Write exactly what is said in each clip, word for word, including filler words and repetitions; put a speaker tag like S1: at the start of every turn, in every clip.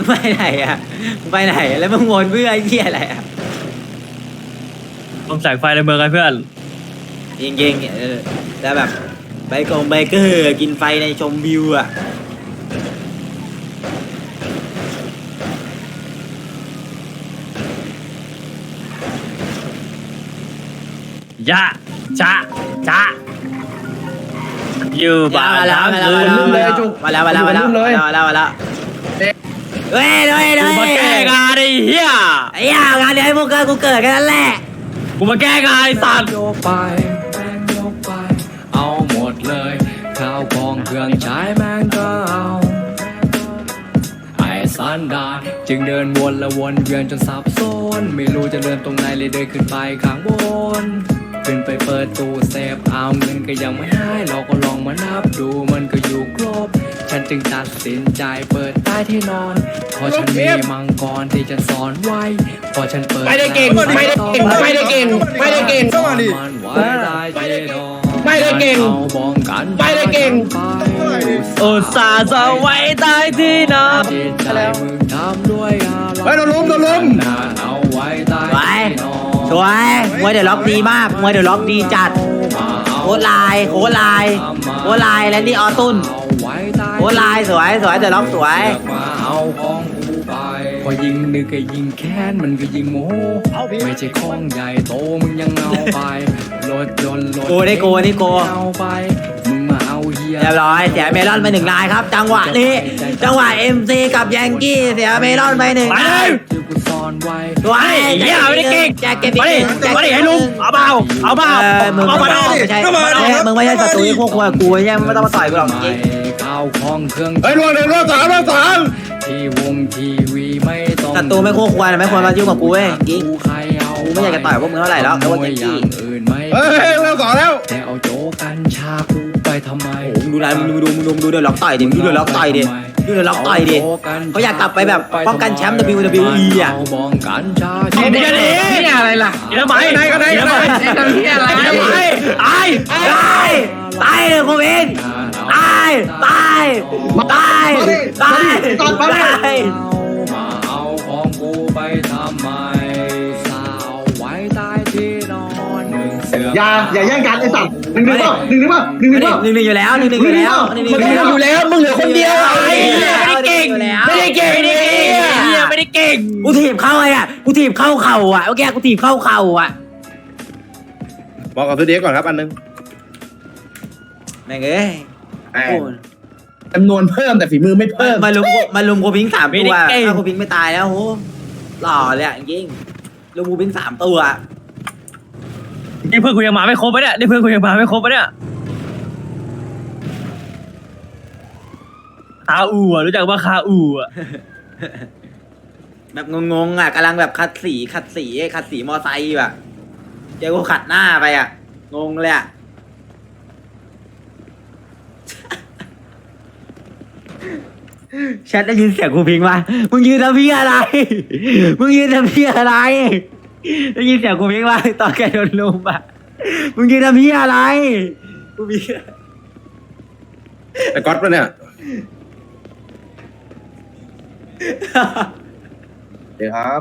S1: ไปไหนอ่ะไปไหนแล้วมึงวนเพื่อไอ้เหี้ยอะไรอ่ะ
S2: ต้องแสงไฟในเมืองไงเพื่อน
S1: จริงๆเออแล้วแบบไบกงไบเกอร์กินไฟในชมวิวอ่ะ
S2: ยะจะจะอยู่บ้าน
S1: มาแล้วมาแล้วมาแล้วมาแล้วมาแล้วมาแล้วมาแล้วมาแล้วมาแล้วมาแล้วเฮ้ยเฮ้ยเฮ้ย
S2: กูมาแก้งานไอ้เหี้ย
S1: ไอ้ยางานเดี๋ยวให้พวกเกิดกูเกิดกันนั่นแหละ
S2: กูมาแก้งานไอ้สัตว์
S3: โยกไปแม่งโยกไปเอาหมดเลยข้าวของเครื่องใช้แม่งก็เอาไอ้สันดานจึงเดินวนและวนเวียนจนสับสนไม่รู้จะเดินตรงไหนเลยเดินขึ้นไปข้างบนขึ้นไปเปิดตู้เซฟเอาเงินก็ยังไม่ให้เราก็ลองมานับดูมันก็อยู่ครบฉันจึงตัดสินใจเปิดใต้ที่นอนเพราะฉันมีมังกรที่จะสอนไว้พอฉันเปิด
S4: ไม่ได้เก่งไม่ได้เก่งไม่ได้เก่งไม่ได้เก่ง
S3: มันไว้ได้ที่นอน
S4: ไม่ได้เก่ง
S3: เอาบ้องกัน
S4: ไม่ได้เก่ง
S2: อุตส่าห์จะไว้ใต้ที่นอน
S3: จิตใจมึงทำด้วยอะไร
S4: เฮ้ยโดนลุมโดนลุม
S3: นานเอาไว้ใต้
S1: สวย
S3: ที่นอน
S1: สวยมวยเดี๋ยวล็อกดีมากมวยเดี๋ยวล็อกดีจัด
S3: มาเอา
S1: โคตรลายโคตรลายโคตรลายและนี่ออตุน
S3: เอาไว้ใต้
S1: โคตรลายสวยสวยเดี๋ยวล็อกสวย
S3: เลือกมาเอาของกูไปพอยิงนึกก็ยิงแค้นมันก็ยิงโมโหไม่ใช่ของใหญ่โตมึงยังเอาไปรถยนต์รถ
S1: โกได้โกนี่โก
S3: เอาไปมึงมาเอาเฮีย
S1: เรียบร้อยเสียเมลอนไปหนึ่งลายครับ จังหวะนี้จังหวะเอ็มซีกับยังกี้เสียเมลอนไปหนึ่ง
S2: ไป
S1: ลา
S2: เลย ย
S3: ที่กูซ่อนไว้
S1: สวย
S2: ไอ้เหี้ยไม่ได้เก่ง
S1: แจ็คเก็ต
S2: มาดิมาดิให้ลุงเอาเปล่าเอาเปล่า
S1: เออมึง
S2: เอามา
S1: ไม่
S2: เอา
S1: ใช่มึงไม่ใช่ศัตรูที่พวกกูกูไม่ใช่ไม่ต้องมาต่อยกูหรอกจริง
S3: ข้าวของเครื่อง
S4: เฮ้ยรวมหนึ่งรวมสามรวมสาม
S3: ที่วงทีวีไม่ต้อง
S1: ศัตรูไม่คู่ควรไม่ควรมายุ่งกับกูเว้ยจริง
S3: ใครเอา
S1: กูไม่อยากจะต่อยพวกมึงเท่าไหร่แล้วแต่ว่าแจ็คกี้
S3: อย่างอื่นไม่
S4: เฮ้ยรวมสองแล้ว
S3: แต่เอาโจกันชากูไปทำไม
S1: โอ้โหมึงดูนะมึงดูมึงดูมึงดูเดี๋ยวล็อกต่อยดิมึงดูเดี๋ยวล็อกต่อยดิดูเดี๋ยวล็อกต่อยดิเขาอยากกลับไปแบบป้องกันแชมป์ ดับเบิลยู ดับเบิลยู อี อ่ะ
S3: เาบ้องกันชา
S2: เดี๋ยวเดี๋ยวเดี๋ยว
S4: นี่อะไรล่ะ
S2: เดี๋ยวทำไม
S4: ไหนก็ได้ก็ได้ทำที่อะไร
S2: เดี๋ยวทำไมตาย
S1: ตายตายเลยกูเองตายตายตายตายตาย
S3: มาเอาของกูไปทำไมสาวไว้ใต้ที่นอนหนึ่งเสือ
S5: อย่าอย่าแย่งกันไอ้สัตว์หนึ่งหนึ่งเปล่าหนึ่งหนึ่งเปล่าหนึ่งหนึ่งเปล่า
S1: หนึ่งหนึ่งอยู่แล้วหนึ่งหนึ่งอยู่แล้วหนึ่งหนึ่ง
S4: มัน
S1: อยู่
S4: ต้อง
S1: แล้ว
S4: อยู่แล้วมึงเหลือคนเดียว
S2: ไอ้เหี้ยไม่ได้เก่งไม่ได้เก่งไม่ได้เก่งเหี้ยไม่ได้เก่ง
S1: กูถีบเข้าไอ้อ่ะกูถีบเข้าเข่าอ่ะเมื่อกี้กูถีบเข้าเข่าอ่ะ
S4: บอกกับตัวเด็กก่อนครับอันนึง
S1: แม่งเอ้ย
S4: จำนวนเพิ่มแต่ฝีมือไม่เพิ่ม
S1: มาลุมมาลุมกูพิงสามตัวถ้ากูพิงไม่ตายแล้วโหหล่อเลยอ่ะจริงลุมกูพิงสามตัว
S2: นี่เพื่อนกูยังมาไม่ครบปะเนี่ยนี่เพื่อนกูยังมาไม่ครบปะเนี่ยคาอูอ่ะรู้จักว่าคาอูอ่ะ
S1: แบบงงๆอ่ะกำลังแบบขัดสีขัดสีขัดสีมอไซค์แบบเจอกูขัดหน้าไปอ่ะงงเลยอ่ะ แชทได้ยินเสียงกูพิงมามึงยืนทำพี่อะไร มึงยืนทำพี่อะไร ได้ยินเสียงกูพิงมาตอนแกโดนลุมอ่ะ มึงยืนทำพี่อะไร กูพิง
S4: ไอ้ก๊อตปะเนี่ยเดี๋ยวครับ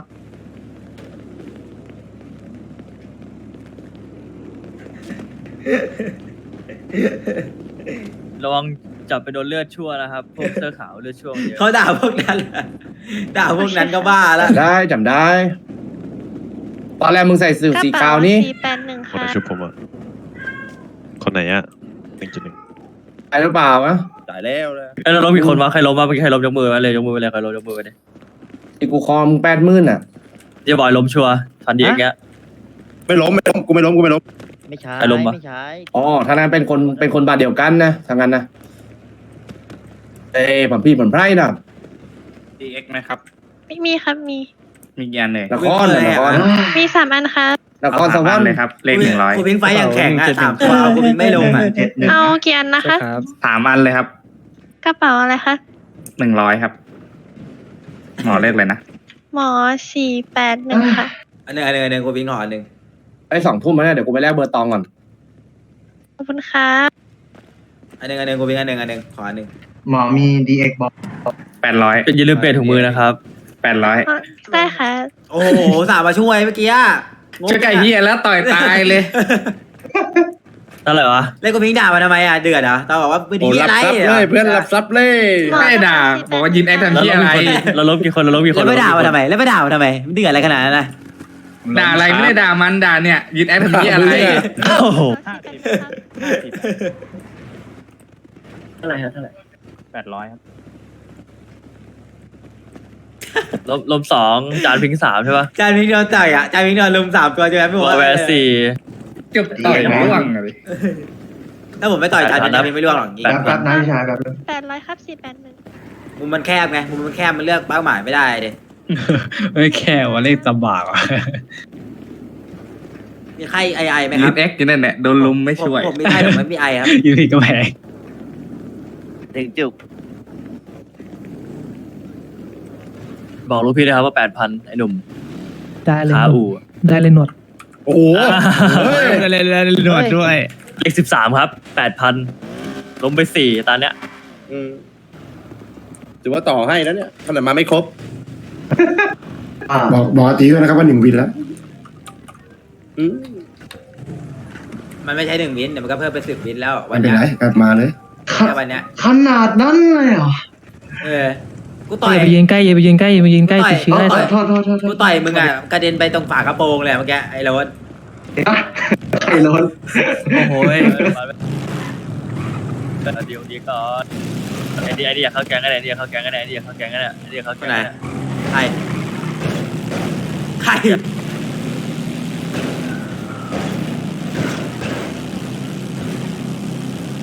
S2: ระวังจับไปโดนเลือดชั่วนะครับพวกเสื้อขาวเลือดชั่วเยอะ
S1: เขาด่าพวกนั้นอะด่าพวกนั้นก็บ้าแล้ว
S4: ได้จำได้ ตอนแรกมึงใส่สูทสีขาวนี่
S6: สี่แปดหนึ่ง
S7: คน
S6: ค่ะ
S7: ไหนชุบผมอ่ะ คนไหนอ่ะหนึ่งจุดหนึ่ง
S4: ไอ้หรือเปล่าวะ
S2: ตายแล้วเลยเอ้ยเราต้องมีคนมาใครล้มมาเมื่อกี้ใครล้มยกมือมาเลยยกมือไปเลยใครล้มยกมือไปเลย
S4: ที่กูคอมึงแปดหมื่นอ่ะ
S2: เดี๋ยวบอยล้มชัวร์ทันดีอย่างเงี้ย
S4: ไม่ล้มไม่ล้มกูไม่ล้มกูไม่ล้ม
S8: ไม่ใช่
S2: ใครล้มวะ
S8: ไม่ใช่
S4: อ๋อทางนั้นเป็นคนเป็นคนบาดเดียวกันนะทางนั้นนะเอ้ยผมพี่ผมไพร่นะ
S9: ดีเอ็กไหมครับ
S6: ไม่มีครับมี
S9: มีกี่อันเลย
S4: นครน่ะนคร
S6: มีสามอันครับ
S4: นครสวรรค์
S9: เลยครับ เลขหนึ่งร้อย
S1: กูพิงไฟอย่างแข็งอ่ะสามตัวกูพิงไม่ลงอ่ะ
S6: เอากี่อันนะคะ
S9: สามอันเลยครับ
S6: กระเป๋าอะไรคะ
S9: หนึ่งร้อยครับ หมอเลขเลยนะ
S6: หมอสี่แปดหนึ่งค่ะ
S1: อันหนึ่งอันหนึ่งอันหนึ่งกูพิงห่ออันหนึ่ง
S4: ไอ้สองทุ่มแล้วเนี่ยเดี๋ยวกูไปแลกเบอร์ตองก่อน
S6: ขอบคุณครับ
S1: อันหนึ่งอันหนึ่งกูพิงอันหนึ่งอันหนึ่งขออันหนึ่ง
S5: หมอมี ดี เอ็กซ์ บอก
S9: แปดร้อย
S2: อย่าลืมเปลี่ยนถุงมือนะครับ
S9: แปดร้อย
S6: อ๋อได้ค่ะ
S1: โอ้โหสามมาช่วยเมื่อกี้อะ
S9: ช่วยไก่เฮียแล้วต่อยตายเลย
S2: เท่าไหร่วะ
S1: เล่นกูพิงด่ามาทำไมอ่ะเดือดเหรอตอนบอกว่าไม่ดี
S4: โอ้
S1: อะ
S4: รับ
S1: ไร
S4: ทรัพย์เลยเพื่อนรับทรัพย์เลย
S9: ไม่ด่า บอกว่ายินแอคทำ
S2: เรา
S9: เฮีย
S2: ล้ม
S9: อะไร
S2: กี่คนเราล้มกี่คนเราล้มกี่ค
S1: แล้ว
S2: น
S1: ไปด่ามาทำไมแล้วไปด่ามาทำไมมันเดือดอะไรขนาดนั้นนะ
S9: ด่าอะไรไม่ได้ด่ามันด่าเนี่ย ยินแอคทำเฮียอะไร
S2: โอ้โห
S4: เท่าไหร่ฮะเท่าไหร่
S7: แปดร้อยครับ
S2: ล้มล้มสองจานพิงสามใช่ปะ
S1: จานพิงโดนต่อยอ่ะจานพิงโดนลุมสามตัวใช่ไหมพี่
S2: ว
S1: บ
S2: อ
S1: อ
S2: ลแวร์สี่
S9: เกือบต่อยร่วงเลย
S1: ถ้าผมไม่ต่อยจานพิงจานพิงไม่ร่วงหรอกจริง
S2: แปด
S5: แป๊บนะพี่ชายแป๊บนึง
S6: แปดร้อยครับสี่แปดหนึ่ง
S1: มุมมันแคบไงมุมมันแคบมันเลือกเป้าหมายไม่ได้เด็
S8: ไม่แค่ว่าเลขตำบากอ่ะ
S1: มีไข้ไอไอไหมค
S9: ยิ
S1: รับ
S9: นแอคอยู่นั่นแหละโดนลุมไม่ช่วย
S1: ผมผมมีไข้ผมไม่มีไอครับ
S8: อยูที่กระแพง
S4: ถึงจุก
S2: บอกลูกพี่นะครับว่าแปดพันไอ้หนุ่ม
S8: ได้เลย
S2: ขาอู่
S8: ได้เลยหนวด
S4: โอ้โหเฮ้ย
S8: ได้เลยได้เลยหนวดด้วย
S2: เลขสิบสามครับแปดพันล้มไปสี่ตอนเนี้ย
S4: อืมถือว่าต่อให้แล้วเนี่ยขนาดมาไม่ครบ
S5: อ่า
S10: บอกบอกอาตีด้วยนะครับว่าหนึ่งวินแล้ว
S4: อืม
S1: มันไม่ใช่หนึ่งวินเดี๋ยวมันก็เพิ่มเป็นสิบวินแล้ววั
S10: ไม่
S1: น
S10: เป็น
S1: เนี้ย
S10: ไรกลับมาเลย
S5: ข
S1: แค่วันเนี้ย
S5: ขนาดนั้นเลยเหรอ
S1: เออกูต่อย
S8: อย่าไปยืนใกล้อย่าไปยืนใกล้อย่าไปยืนใกล้
S1: ต่อย
S8: ติดเชื้อ
S5: อ๋อ
S8: ได้
S5: โทษโทษโทษโท
S1: กู
S5: ษ
S1: ต่อยมึงอ่ะกระเด็นไปตรงฝากระโปรงเลยเมื่อกี้ไอ้โรถ
S5: อ่ะไอ้ร้อน
S2: โอ้โหยเดี๋ยวดีก่อนไอ้ดีไอ้ดีอยากเข้าแก๊งกันไอ้ดีอยากเข้าแก๊งกันไอ้ดีอยากเข้าแก๊งกันไอ้ดีอยากเข้าแก๊งกันไอ้ดีอยากเข้า
S1: ค
S2: แก๊
S1: น
S2: ง
S1: ไหน
S2: กัน
S1: ใครใคร